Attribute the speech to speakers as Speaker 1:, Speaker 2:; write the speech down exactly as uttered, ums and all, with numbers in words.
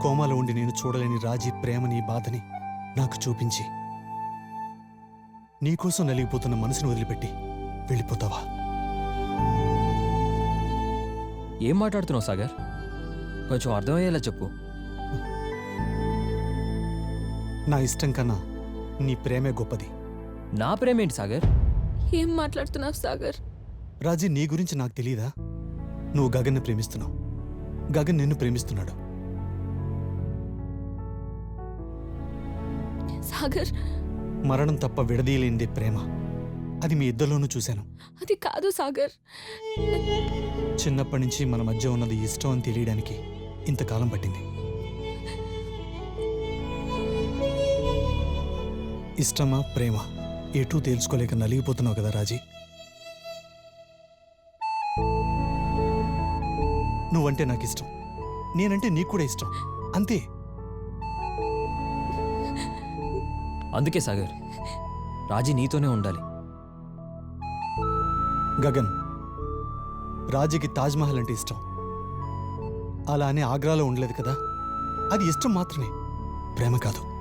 Speaker 1: కోమాలో ఉండి నేను చూడలేని రాజీ ప్రేమని బాధని నాకు చూపించి నీకోసం నలిగిపోతున్న మనసును వదిలిపెట్టి వెళ్ళిపోతావా?
Speaker 2: ఏం మాట్లాడుతున్నావు సాగర్? కొంచెం అర్థమయ్యేలా చెప్పు.
Speaker 1: నా ఇష్టం కన్నా నీ ప్రేమే గొప్పది.
Speaker 2: నా ప్రేమేంటి సాగర్?
Speaker 3: ఏం మాట్లాడుతున్నావు సాగర్?
Speaker 1: రాజీ, నీ గురించి నాకు తెలీదా? నువ్వు గగన్ని ప్రేమిస్తున్నావు, గగన్ నిన్ను ప్రేమిస్తున్నాడు.
Speaker 3: సాగర్,
Speaker 1: మరణం తప్ప విడదీయలేనిదే ప్రేమ. అది మీ ఇద్దరిలోనూ చూశాను.
Speaker 3: అది కాదు సాగర్.
Speaker 1: చిన్నప్పటి నుంచి మన మధ్య ఉన్నది ఇష్టం అని తెలియడానికి ఇంతకాలం పట్టింది. ఇష్టమా ప్రేమ ఎటూ తేల్చుకోలేక నలిగిపోతున్నావు కదా రాజీ. నువ్వంటే నాకు ఇష్టం, నేనంటే నీకు కూడా ఇష్టం, అంతే.
Speaker 2: అందుకే సాగర్, రాజీ నీతోనే ఉండాలి.
Speaker 1: గగన్, రాజీకి తాజ్మహల్ అంటే ఇష్టం. అలా అని ఆగ్రాలో ఉండలేదు కదా. అది ఇష్టం మాత్రమే, ప్రేమ కాదు.